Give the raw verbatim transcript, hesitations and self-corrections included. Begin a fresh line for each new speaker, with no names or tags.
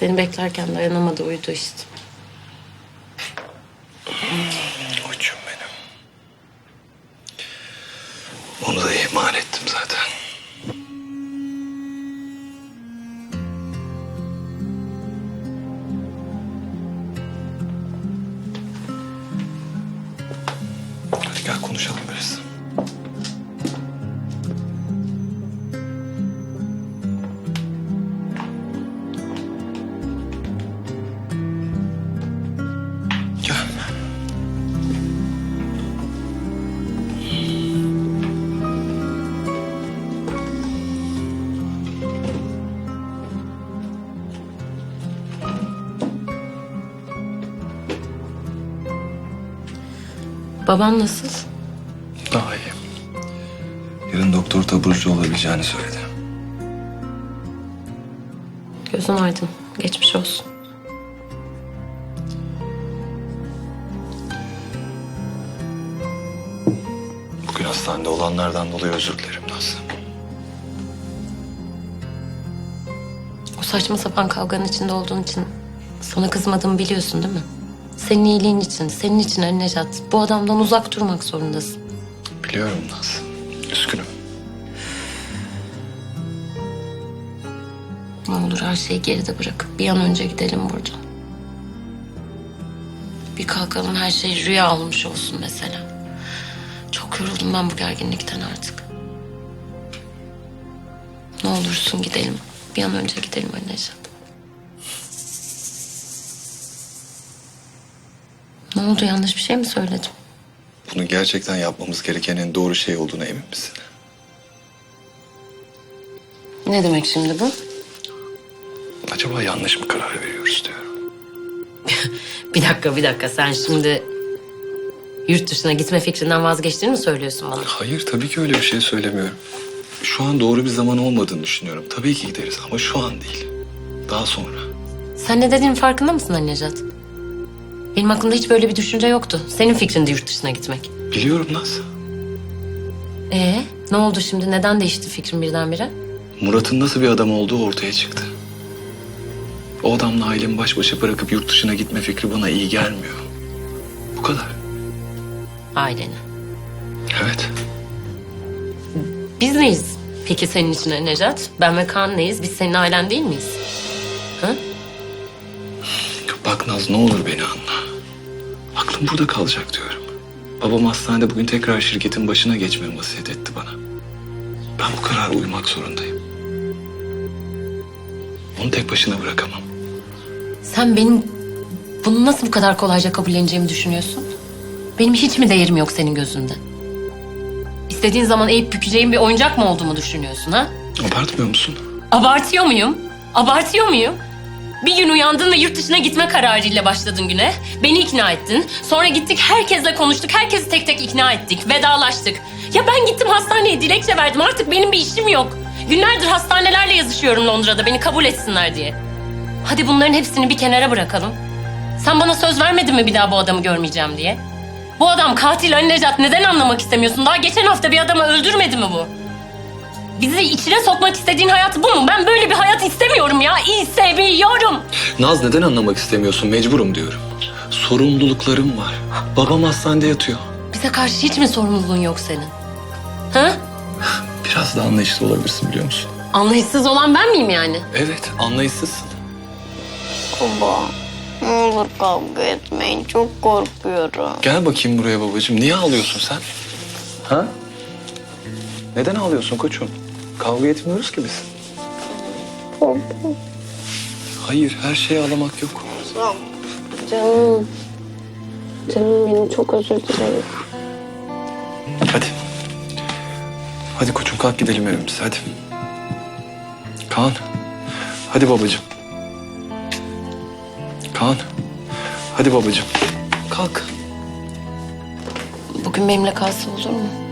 Seni beklerken dayanamadı, uyudu işte.
Koçum benim. Onu da ihmal ettim zaten. Hadi gel konuşalım biraz. Gel.
Babam nasıl?
Daha iyi. Yarın doktor taburcu olabileceğini söyledi.
Gözün aydın. Geçmiş olsun.
Bugün hastanede olanlardan dolayı özür dilerim Nazlı.
O saçma sapan kavganın içinde olduğun için sana kızmadığımı biliyorsun değil mi? Senin iyiliğin için, senin için Ali Necat. Bu adamdan uzak durmak zorundasın.
Biliyorum Nazlı. Üzgünüm.
Ne olur her şeyi geride bırakıp bir an önce gidelim buradan. Bir kalkalım, her şey rüya olmuş olsun mesela. Çok yoruldum ben bu gerginlikten artık. Ne olursun gidelim. Bir an önce gidelim Ali Necat. Ne oldu, yanlış bir şey mi söyledim?
Bunu gerçekten yapmamız gereken en doğru şey olduğuna emin misin?
Ne demek şimdi bu?
Acaba yanlış mı karar veriyoruz diyorum.
Bir dakika, bir dakika. Sen şimdi yurt dışına gitme fikrinden vazgeçtiğini mi söylüyorsun bana?
Hayır, tabii ki öyle bir şey söylemiyorum. Şu an doğru bir zaman olmadığını düşünüyorum. Tabii ki gideriz ama şu an değil. Daha sonra.
Sen ne dediğinin farkında mısın Ali Necat? Benim aklımda hiç böyle bir düşünce yoktu. Senin fikrindi yurt dışına gitmek.
Biliyorum Naz.
Ee, ne oldu şimdi? Neden değişti fikrin birdenbire?
Murat'ın nasıl bir adam olduğu ortaya çıktı. O adamla ailemi baş başa bırakıp yurt dışına gitme fikri bana iyi gelmiyor. Bu kadar.
Aileni.
Evet.
Biz neyiz peki senin için Ali Necat? Ben ve Kaan neyiz? Biz senin ailen değil miyiz? Ha?
Bak Naz, ne olur beni anla. Aklım burada kalacak diyorum. Babam hastanede bugün tekrar şirketin başına geçmemi vasiyet etti bana. Ben bu karara uymak zorundayım. Onu tek başına bırakamam.
Sen benim bunu nasıl bu kadar kolayca kabulleneceğimi düşünüyorsun? Benim hiç mi değerim yok senin gözünde? İstediğin zaman eğip bükeceğin bir oyuncak mı olduğumu düşünüyorsun ha?
Abartmıyor musun?
Abartıyor muyum? Abartıyor muyum? Bir gün uyandın ve yurt dışına gitme kararıyla başladın güne. Beni ikna ettin. Sonra gittik herkesle konuştuk. Herkesi tek tek ikna ettik. Vedalaştık. Ya ben gittim hastaneye dilekçe verdim. Artık benim bir işim yok. Günlerdir hastanelerle yazışıyorum Londra'da beni kabul etsinler diye. Hadi bunların hepsini bir kenara bırakalım. Sen bana söz vermedin mi bir daha bu adamı görmeyeceğim diye? Bu adam katil Ali Necat, neden anlamak istemiyorsun? Daha geçen hafta bir adamı öldürmedi mi bu? Bizi içine sokmak istediğin hayat bu mu? Ben böyle bir hayat istemiyorum ya. İstemiyorum.
Naz, neden anlamak istemiyorsun? Mecburum diyorum. Sorumluluklarım var. Babam hastanede yatıyor.
Bize karşı hiç mi sorumluluğun yok senin? Ha?
Biraz da anlayışlı olabilirsin, biliyor musun?
Anlayışsız olan ben miyim yani?
Evet, anlayışsızsın.
Baba, ne olur kavga etmeyin. Çok korkuyorum.
Gel bakayım buraya babacığım. Niye ağlıyorsun sen? Ha? Neden ağlıyorsun koçum? Kavga etmiyoruz ki biz.
Baba,
Hayır, her şeye ağlamak yok.
canım. Canım benim, çok özür dilerim.
Hadi. Hadi koçum, kalk gidelim evimize, hadi. Kaan. Hadi babacığım. Kaan. Hadi babacığım. Kalk.
Bugün benimle kalsa olur mu?